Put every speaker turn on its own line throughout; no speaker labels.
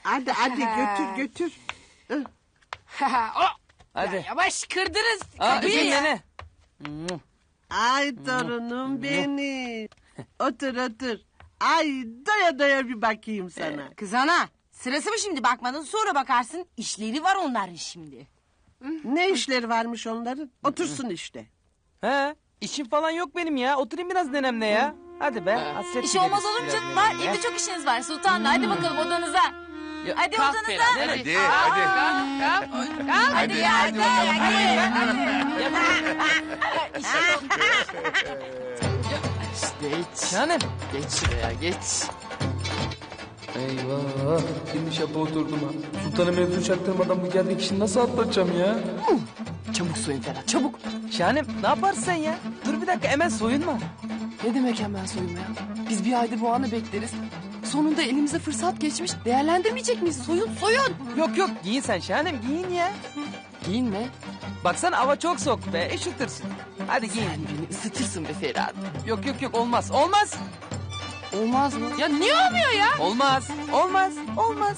Hadi götür götür.
Hadi.
Ya yavaş kırdınız.
Üzülme
ya.
ne?
Ay torunum benim. Otur otur. Ay doya doya bir bakayım sana.
Kız ana sırası mı şimdi bakmadın sonra bakarsın. İşleri var onların şimdi.
Ne işleri varmış onların? Otursun işte.
He, işim falan yok benim ya. Oturayım biraz nenemle ya. Hadi be. Hasret
İş olmaz
gideriz
olur mu
biraz
canım? Var
nenemle ya.
evde çok işiniz var sultanla. Hadi bakalım odanıza.
Ya,
Hadi
kalk
odanıza.
Ferhat,
Hadi hadi.
Hadi ya hadi.
Geç.
Şahanem.
Geç şuraya geç.
Eyvah. Şimdi şapa oturdum ha. Sultan'a mevzu çaktırmadan bu geldiği kişini nasıl atlatacağım ya?
Çabuk soyun Ferhat çabuk.
Şahanem ne yaparsın sen ya? Dur bir dakika hemen soyunma.
Ne demek hemen soyunma ya? Biz bir aydır bu anı bekleriz. Sonunda elimize fırsat geçmiş. Değerlendirmeyecek miyiz? Soyun soyun.
Yok giyin sen Şahanem giyin ya.
Giyinme.
Baksana hava çok soğuk be üşütürsün. Hadi giyin.
Sen beni ısıtırsın be Ferhat.
Yok olmaz.
Olmaz mı? Ya niye olmuyor ya?
Olmaz.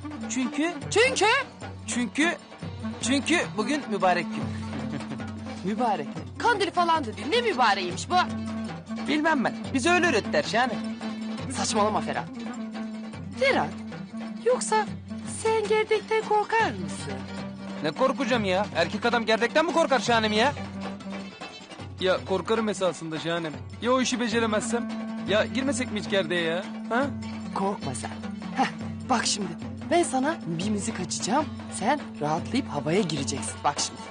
Çünkü bugün mübarek gün.
Mübarek. Kandil falan da değil. Ne mübareğiymiş bu?
Bilmem ben. Bize öyle öğrettiler Şahanem.
Saçmalama Ferhat. Ferhat. Yoksa sen gerdekten korkar mısın?
Ne korkacağım ya? Erkek adam gerdekten mi korkar Şahanem ya? Ya korkarım esasında Şahanem. Ya o işi beceremezsem? Ya girmesek mi hiç gerdeğe ya? Ha?
Korkma sen. Heh, bak şimdi. Ben sana bir müzik açacağım. Sen rahatlayıp havaya gireceksin. Bak şimdi.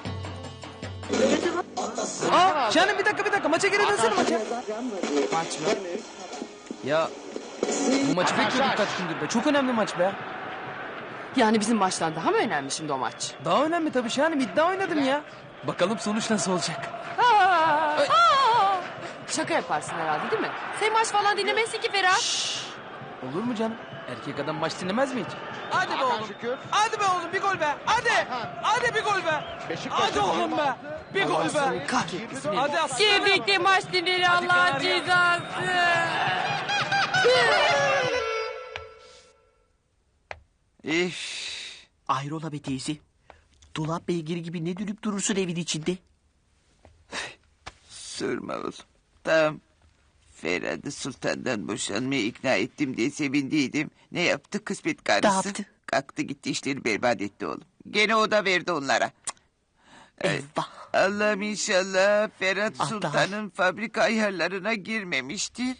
Aa Şahanem bir dakika. Maça geri dönsene maça.
Maç mı?
Ya bu maçı bekliyorduk kaç gündür be. Çok önemli maç be.
Yani bizim maçtan daha mı önemli şimdi o maç?
Daha önemli tabii Şahanem. İddia oynadım ya. Bakalım sonuç nasıl olacak?
Şaka yaparsın herhalde değil mi? Sen maç falan dinlemezsin ki Ferhat.
Olur mu canım? Erkek adam maç dinlemez mi hiç? Hadi be oğlum. Hadi be oğlum bir gol be. Hadi bir gol be. Hadi oğlum be. Bir gol be.
Seni kahretmesin.
Hadi aslanım.
Birlikte maç dinleri Allah'ın cezası.
Ayrola be teyze. Dolap beygiri gibi ne dönüp durursun evin içinde?
Sorma oğlum. Tamam. Ferhat'ı sultandan boşanmaya ikna ettim diye sevindiydim. Ne yaptı kısmet karısı?
Ne yaptı?
Kalktı gitti işleri berbat etti oğlum. Gene o da verdi onlara.
Eyvah.
Allah'ım inşallah Ferhat
Allah.
Sultan'ın fabrika ayarlarına girmemiştir.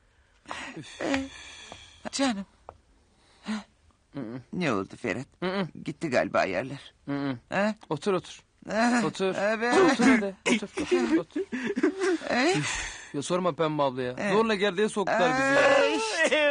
Canım. Ne oldu Ferhat? Gitti galiba ayarlar. Ha?
Otur.
Ha?
Otur.
Evet.
Otur hadi. Otur. Ya sorma Pembe abla ya. Zorla gerdeğe soktular bizi ya.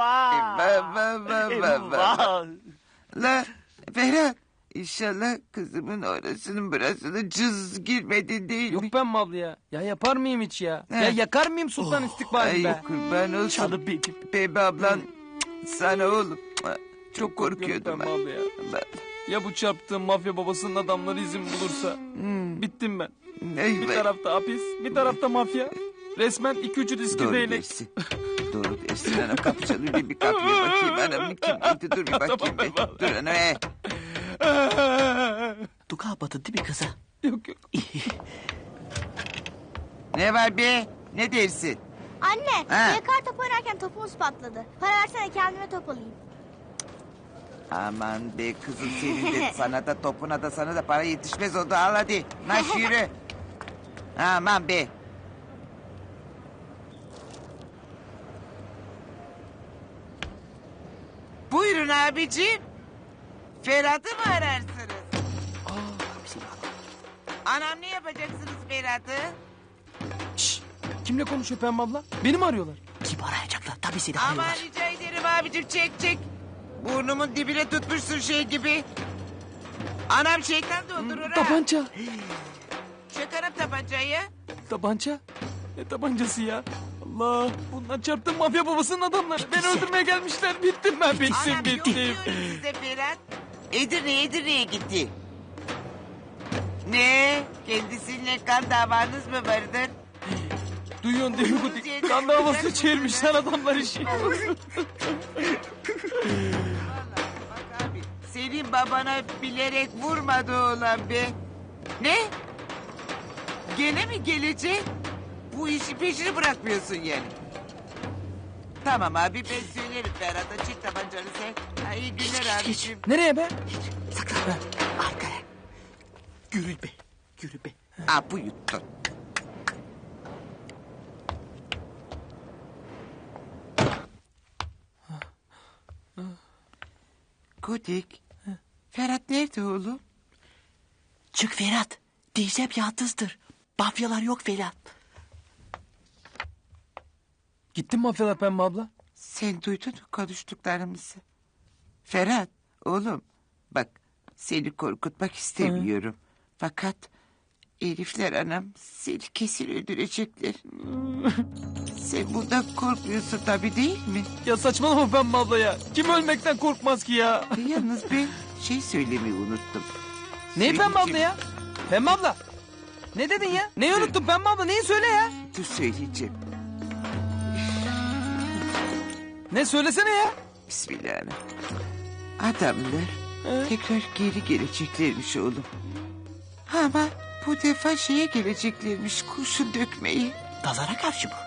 Eyvah. La Ferhat. İnşallah kızımın orasının burasını cız girmedin değil mi?
Yok Pembe abla ya. Ya yapar mıyım hiç ya?
He.
Ya yakar mıyım sultan istikbalini be?
Ay kurban olsun.
Canım benim.
Pembe ablan sana oğlum. Çok
Korkuyorum
korkuyordum
Pembe
ben.
abla ya. Ya bu çarptığım mafya babasının adamları izin bulursa? Bittim ben. Bir tarafta hapis, bir tarafta mafya. Resmen 2-3 riskli
Doğru
değnek.
dersin. Doğru dersin anam. Kapı çalıyor bir kapıya bakayım. Anam kim dur bir bakayım.
Tamam,
bir.
eyvallah.
Dur anam.
Du kapatın değil mi kıza?
Yok.
Ne var be? Ne dersin?
Anne,
Ha.
yakar top oynarken topumuz patladı. Para versene kendime top alayım.
Aman be kızım senin de sana da topuna da sana da para yetişmez oldu. Al hadi. Naş yürü. Aman be. Buyurun abicim. Ferhat'ı mı ararsınız? Anam ne yapacaksınız Ferhat'ı?
Şşş. Kimle konuşuyor Pembe abla? Beni mi arıyorlar?
Kim arayacaklar? Tabii seni
Aman
arıyorlar.
rica ederim abicim çek. Burnumun dibine tutmuşsun şey gibi. Anam şeytan doldurur ha.
Tabanca.
Çıkarım tabancayı.
Tabanca? Ne tabancası ya? Allah. Bunlar çarptığım mafya babasının adamları. Beni öldürmeye gelmişler. Bittim ben.
Anam yok
Bittim.
diyorum size Ferhat. Edirne'ye gitti. Ne? Kendisiyle kan davanız mı vardır?
Duyuyorsun değil mi Gudik? Kan davası çevirmişler adamlar işi.
senin babana bilerek vurmadı oğlan be. Ne? Gene mi gelecek? Bu işi peşini bırakmıyorsun yani. Tamam abi ben söylerim Ferhat'a çek tabancanı sen. Ha, iyi günler abiciğim.
Nereye be?
Saklan. Arkaya. Yürü be. Yürü be.
Aa bu yuttu. Gudik. Ferhat nerede oğlum?
Çık Ferhat. Diyeceğim yalnızdır. Mafyalar yok falan.
Gittin mi mafyalar Pembe abla?
Sen duydun mu konuştuklarımızı? Ferhat oğlum bak seni korkutmak istemiyorum. Fakat herifler anam seni kesin öldürecekler. Sen bundan korkmuyorsun tabii değil mi?
Ya saçmalama Pembe abla ya. Kim ölmekten korkmaz ki ya?
Yalnız ben şey söylemeyi unuttum.
Neyi Pembe abla ya? Pembe abla. Ne dedin ya? Neyi unuttun Pembe abla? Neyi söyle ya?
Dur söyleyeceğim.
Ne söylesene ya?
Bismillahirrahmanirrahim. Adamlar tekrar geri geleceklermiş oğlum. Ama bu defa şeye geleceklermiş kurşun dökmeyi.
Pazara karşı mı?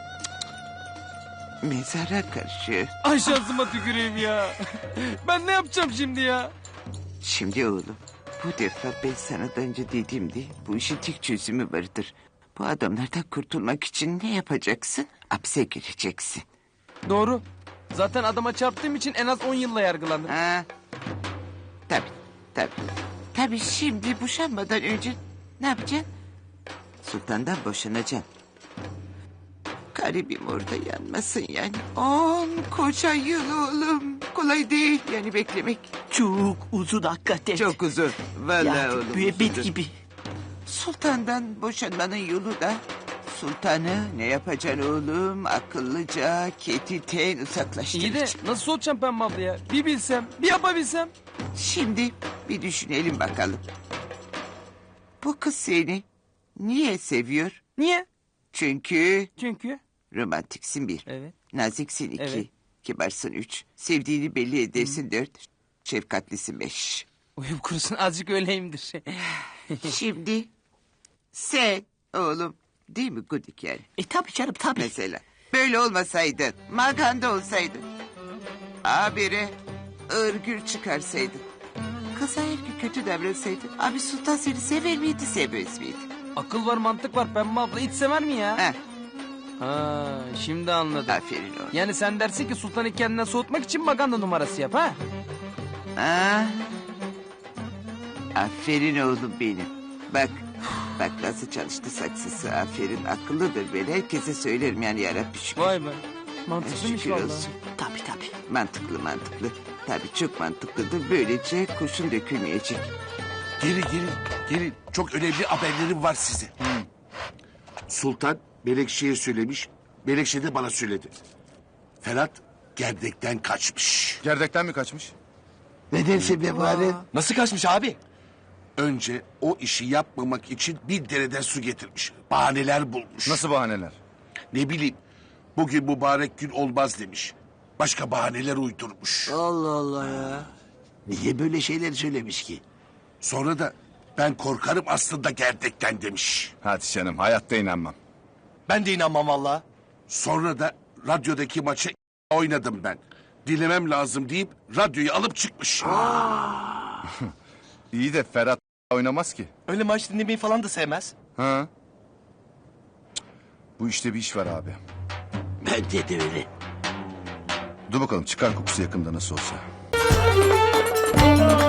Mezara karşı.
Ay şansıma tüküreyim ya. Ben ne yapacağım şimdi ya?
Şimdi oğlum bu defa ben sana daha önce dediğimde bu işin tek çözümü vardır. Bu adamlardan kurtulmak için ne yapacaksın? Hapse gireceksin.
Doğru. Zaten adama çarptığım için en az 10 yılla yargılandım.
Ha? Tabii tabii. Tabii şimdi boşanmadan önce ne yapacaksın? Sultandan boşanacaksın. Garibim orada yanmasın yani. 10 koca yıl oğlum. Kolay değil yani beklemek.
Çok uzun hakikaten.
Çok uzun. Vallahi
Ya
oğlum.
müebbet
uzundur.
gibi.
Sultandan boşanmanın yolu da sultanı ne yapacaksın oğlum? Akıllıca ketiten
İyi de
uzaklaştıracaksın.
nasıl soğutacağım Pembe abla ya? Bir bilsem, bir yapabilsem.
Şimdi bir düşünelim bakalım. Bu kız seni niye seviyor?
Niye?
Çünkü
Çünkü.
romantiksin bir.
Evet.
Naziksin iki.
Evet.
Kibarsın üç. Sevdiğini belli edersin dört. Şefkatlisin beş.
Uyum kurusun azıcık öyleyimdir.
Şimdi sen oğlum değil mi Gudik yani?
Tabii canım tabii.
Mesela böyle olmasaydın, maganda olsaydın. Habire ırgür çıkarsaydın. Kıza her gün kötü davransaydın. Abi Sultan seni sever miydi, sevmez miydi?
Akıl var mantık var Pembe abla hiç sever mi ya?
Heh,
Ha, şimdi anladım.
aferin oğlum.
Yani sen dersin ki Sultan'ı kendinden soğutmak için maganda numarası yap ha?
Ha? Aferin oğlum benim. Bak, bak nasıl çalıştı saksısı. Aferin, akıllıdır ben. Herkese söylerim yani yarabbim şükür.
Vay be. Mantıklıymış
Şükür
vallahi.
olsun.
Tabii tabii.
Mantıklı mantıklı. Tabii çok mantıklıdır. Böylece kurşun dökülmeyecek.
Gelin. Çok önemli haberlerim var size. Sultan Melekşe'ye söylemiş. Melekşe de bana söyledi. Ferhat gerdekten kaçmış.
Gerdekten mi kaçmış?
Nedense be bari.
Nasıl kaçmış abi?
Önce o işi yapmamak için bir dereden su getirmiş. Bahaneler bulmuş.
Nasıl bahaneler?
Ne bileyim. Bugün mübarek gün olmaz demiş. Başka bahaneler uydurmuş.
Allah Allah ya. Niye böyle şeyler söylemiş ki?
Sonra da ben korkarım aslında gerdekten demiş.
Hadi canım hayatta inanmam.
Ben de inanmam valla.
Sonra da radyodaki maçı oynadım ben. Dilemem lazım deyip radyoyu alıp çıkmış.
İyi de Ferhat oynamaz ki.
Öyle maç dinlemeyi falan da sevmez.
Ha? Cık, bu işte bir iş var abi.
Bence de öyle.
Dur bakalım çıkar kokusu yakında nasıl olsa.